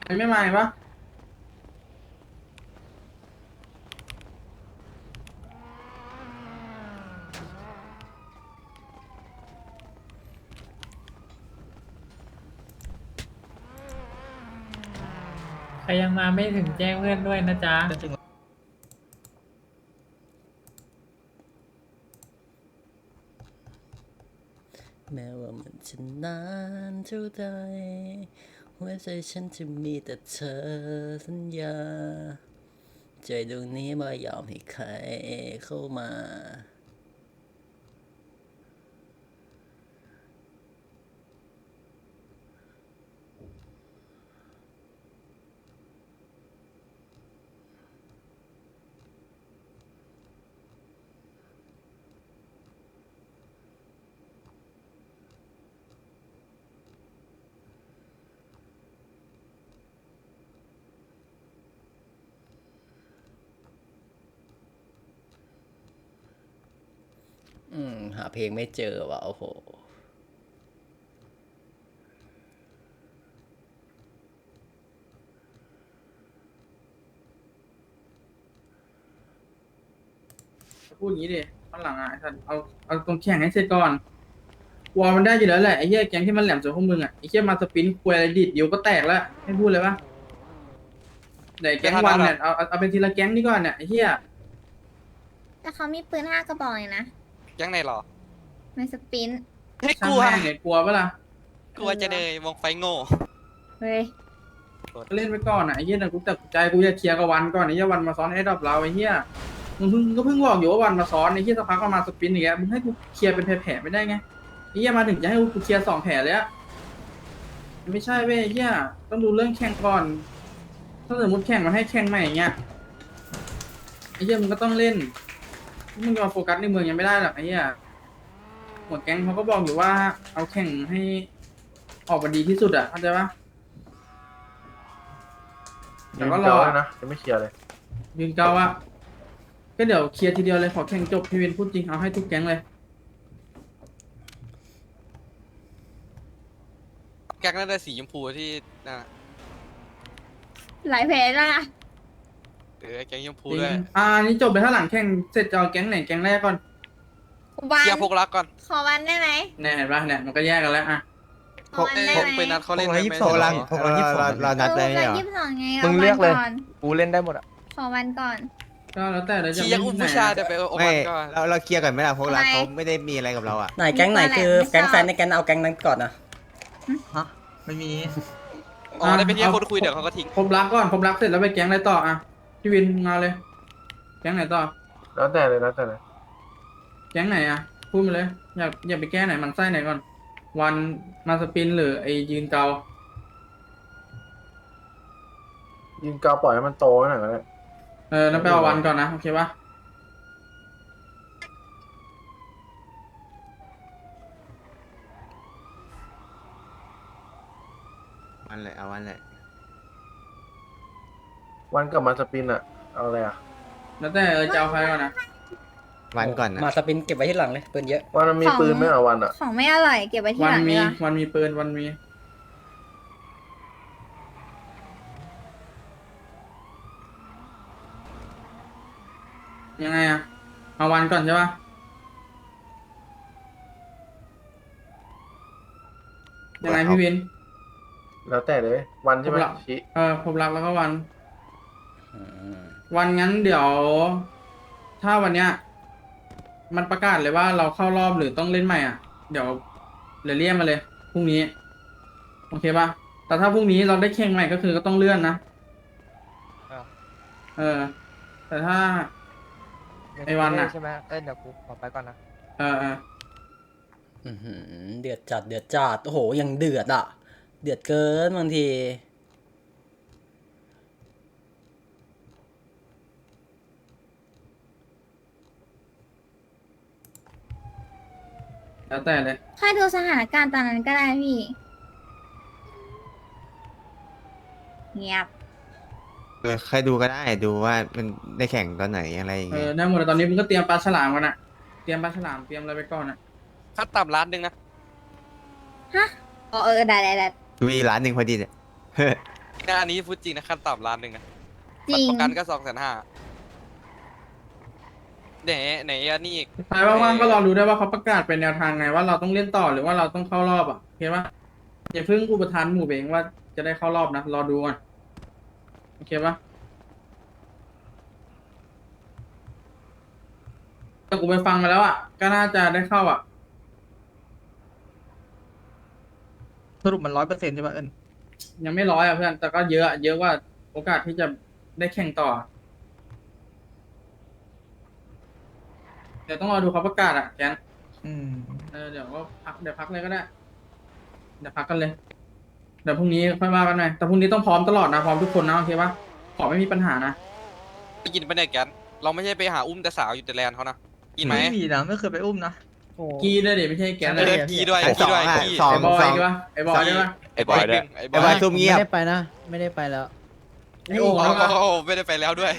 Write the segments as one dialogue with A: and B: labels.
A: ไม่มาปะ
B: ใครยังมาไม่ถึงแจ้งเพื่อนด้วยนะจ๊ะ
C: แม้ว่ามันจะนานเท่าใดหัวใจฉันจะมีแต่เธอสัญญาใจดวงนี้ไม่ยอมให้ใครเข้ามา หาเพลงไม่เจอว่ะโอ้โห
A: พูดอย่างนี้ดิข้างหลังอ่ะไอ้สัตว์เอาตรงแข่งให้เสร็จก่อนวอลมันได้อยู่แล้วแหละไอ้เหี้ยแก๊งที่มันแหลมส่วนพวกมึงอ่ะไอ้เหี้ยมาสปินควยอะไรดิดเดี๋ยวก็แตกแล้วให้พูดเลยปะไหนแก๊งวันเนี่ยเอาเป็นทีละแก๊งนี่ก่อนเนี่ยไอ้เหี้ย
D: แต่เขามีปืน5 กระบอกเลยนะ
E: ยังไงหรอ
D: ไม่สปิน
E: ไม่ก
A: ช่าง
E: ลัว
A: แม่งเนี่ยกลัวปะล่ะ
E: กลัวจะเลยมองไฟโง่
D: เฮ้ย
A: ก็เล่นไปก่อนอ่ะไอ้เหี้ยนะกูตัดใจกูจะเคลียร์กับวันก่อนไอ้เหี้ยวันมาซ้อนไอ้ดอกเราไอ้เหี้ยมึงก็เพิ่งบอกอยู่ว่าวันมาซ้อนไอ้เหี้ยสักพักก็มาสปินอีกแล้วมึงให้กูเคลียร์เป็นแผลๆไม่ได้ไงไอ้เหี้ยมาถึงจะให้กูเคลียร์2 แผลเลยอะไม่ใช่เว้ยไอ้เหี้ยต้องดูเรื่องแข่งก่อนถ้าสมมติแข่งมาให้แข่งใหม่อย่างเงี้ยไอ้เหี้ยมึงก็ต้องเล่นมึงจะมาโฟกัสในเมืองยังไม่ได้หรอกไอ้เหี้ยหัวแก๊งเขาก็บอกอยู่ว่าเอาแข่งให้ออกมาดีที่สุดอะเข้าใจปะ เดี๋ยวก็รอนะ
F: จะไม่เคลียร์เลย
A: ยืนเก้าอะก็เดี๋ยวเคลียร์ทีเดียวเลยขอแข่งจบพี่เวนพูดจริงเอาให้ทุกแก๊งเลย
E: แก๊งนั่นได้สีชมพูที่นั่นน่ะ
D: หลายเพจแล้วนะ
E: แก๊งชมพู
A: จริง
E: ด้วย
A: นี่จบไปถ้าหลังแข่งเสร็จจะเอาแก๊งไหนแก๊งแรกก่อน
D: วัน
E: เกียร์พกรักก่อน
D: ขอวันได้ไหม
A: แน่เห็นปะเนี่ยมันก็แยกกันแล้วอะ
D: ขอวันได้
E: พก
D: ไหม
E: ไปนัดเขาเล่น
F: พก
E: ได้
F: ละ
E: ไหม
F: 22
E: หรอ
F: พกละ22เรานัดได้เหรอ
D: 22ไง
F: มึ
D: เอา
F: ง
D: วั
F: เลือกเลย
D: ก่อน
F: กูเล่นได้หมดอ่ะ
D: ขอวันก่อน
A: ก็แล้วแต่เราจะ
E: ขี่ยังอุ้มผู้ชายเดี๋ยวไปโอ
F: ไม่
E: วันก่อน
F: เราเคลียร์กันไหมล่ะพวกเรา
D: ทำไม
F: เขาไม่ได้มีอะไรกับเราอ่ะ
C: ไหนแก๊งไหนคือ
D: ไม่ชอบ
C: แก๊งแฟนในแก๊งเอาแก๊งนั้นก่อนนะ
F: ไม่มี
E: อ๋อได้เป็นที่คนคุยเดี๋ยวเขาก็ทิ้ง
A: ครบรักก่อนครบรักเสร็จแล้วไปแก๊งอะไรต่ออะพี่วินมาเลย แก๊งไหนต่อ
F: แล้วแต่เลยแล้วแต่เลย
A: แก๊งไหนอะพูดมาเลยอยากไปแก้ไหนมันไส้ไหนก่อน วันมาสปินหรือไอยืนเกา
F: ยิงกาวปล่อยให้มันโตหน่อยก็ได้
A: แล้วไปเอาวันก่อนนะโอเคปะ
F: วันแหละเอาวันแหละวันกลับมาสปินอ่ะเอาอะไรอ่ะ
A: แล้วแต่จะเอาใครก่อนนะ
F: วันก่อนนะ
C: มาสปินเก็บไว้ที่หลังเลยปืนเยอะ
F: วันมันมีปืนไหมอ่ะวันอ่ะ
D: ของไม่อร่อยเก็บไว้ที่
A: วั
D: หลัง
A: มี
D: ดีกว่า
A: วันมีปืนวันมี ยังไงอะเอาวันก่อนใช่ปะยังไงพี่วิน
F: แล้วแต่เลยวันใช่ไหม
A: ผมละ
F: ชี้
A: ผมรักแล้วก็วัน
C: อืม
A: วันงั้นเดี๋ยว ถ้าวันเนี้ย มันประกาศเลยว่าเราเข้ารอบหรือต้องเล่นใหม่อ่ะ เดี๋ยวเรียกมาเลยพรุ่งนี้ โอเคปะแต่ถ้าพรุ่งนี้เราได้แข่งใหม่ก็คือก็ต้องเลื่อนนะ เออ แต่ถ้า ไอ้วันน่ะ
F: ใช่ไหมเดี๋ยวกูขอไปก่อนนะ
A: เออ
C: อื้อหือเดือดจัดเดือดจัดโอ้โหยังเดือดอ่ะ เดือดเกินบางที
A: แล้วแต่เลย
D: ค่อยดูสถานการณ์ตอนนั้นก็ได้พี่ เงียบ
F: ใครดูก็ได้ดูว่ามันได้แข่งตอนไหนอะไรอย่างเงี้ย
A: ได้หมดแต่ตอนนี้มึงก็เตรียมปลาฉลามกันอะเตรียมปลาฉลามเตรียมอะไรไปก่อนอะ
E: ค่าต่ำล้านหนึ่งนะ
D: ฮะอ๋อได้
F: ดูอีกร้านหนึ่งพอดีเนี่ย
E: เนี่ยอันนี้พูดจริงนะขั้นต่ำล้านหนึ่งนะ
D: จริง
E: ประกันก็250,000ไหนอันนี้อีก
A: ใครว่างๆก็รอดูได้ว่าเขาประกาศเป็นแนวทางไงว่าเราต้องเล่นต่อหรือว่าเราต้องเข้ารอบอ่ะเห็นปะอย่าเพิ่งอุปทานหมู่เบงว่าจะได้เข้ารอบนะรอดูก่อนโอเคปะแต่กูไปฟังมาแล้วอ่ะก็น่าจะได้เข้าอ่ะ
G: สรุปมัน100%ใช่ป่ะเอิญ
A: ยังไม่ร้อยอ่ะเพื่อนแต่ก็เยอะอะเยอะกว่าโอกาสที่จะได้แข่งต่อเดี๋ยวต้องรอดูเขาประกาศอ่ะแกน เดี๋ยวก็พักเลยก็ได้เดี๋ยวพักกันเลยเดี๋ยวพรุ่งนี้ค่อยว่ากันหน่อยแต่พรุ่งนี้ต้องพร้อมตลอดนะพร้อมทุกคนนะโอเคปะขอไม่มีปัญหานะ
E: ไปกินไปเนี่ยแกนเราไม่ใช่ไปหาอุ้มแต่สาวอยู่แต่แลนด์เขานะกินไหม
G: ไม่มีนะไม่เคยไปอุ้มนะ
A: กีเลยเดี๋ยวไม่ใช่แกน
E: เอ
A: เลย
E: อกีด้วย
F: ไอ้
E: กีด้วย
F: สองอะ
E: กี
F: สอง
A: ไอ้บอยด้วยไอ้บอยด้วยปะ
E: ไอ้บอยด้วยไอ้
F: ไอ้บอยซุ่มเงียบ
H: ไม่ได้ไปนะ ไม่ได้ไปแล้ว
A: ไอ้โอ่งแล้วก็
E: โอ้ไม่ได้ไปแล้วด้วย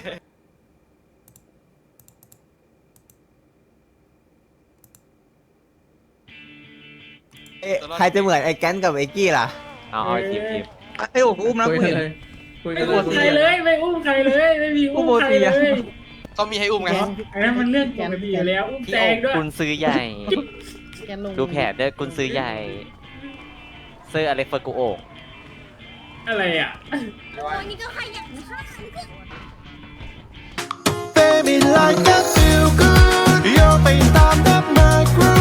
F: เอ๊ะใครจะเหมือนไอ้แก๊นกับไอ้กี้ล่ะ
B: เอาทีม
G: ไอ้โอ้ก็อุ้มนะ
A: คุย
G: กู
A: กัน
G: เห็น
A: เลยคุยกั
B: ไม่
A: น
B: อุ้มใครเลยไม่อุ้มใครเลยไม่มีอุ้มใครเลย
E: เขามีให้อุ้มไง
B: อันนั้นมันเรื่องปกติอยู่แล้วอุ้ม
I: พี่
B: แต
I: โอ๊
B: ง
I: ค
B: ด้วย
I: กุนซื้อใหญ่
H: แกลง
I: ดูแผนเด้อกุนซื้อใหญ่ เสื้ออะไรเฟอร์กูโอก
B: อะไรอ่ะ
D: โอ้ยนี่ก็ขยันค่ะ
J: Baby like I feel good โยกไปตามดับมากรู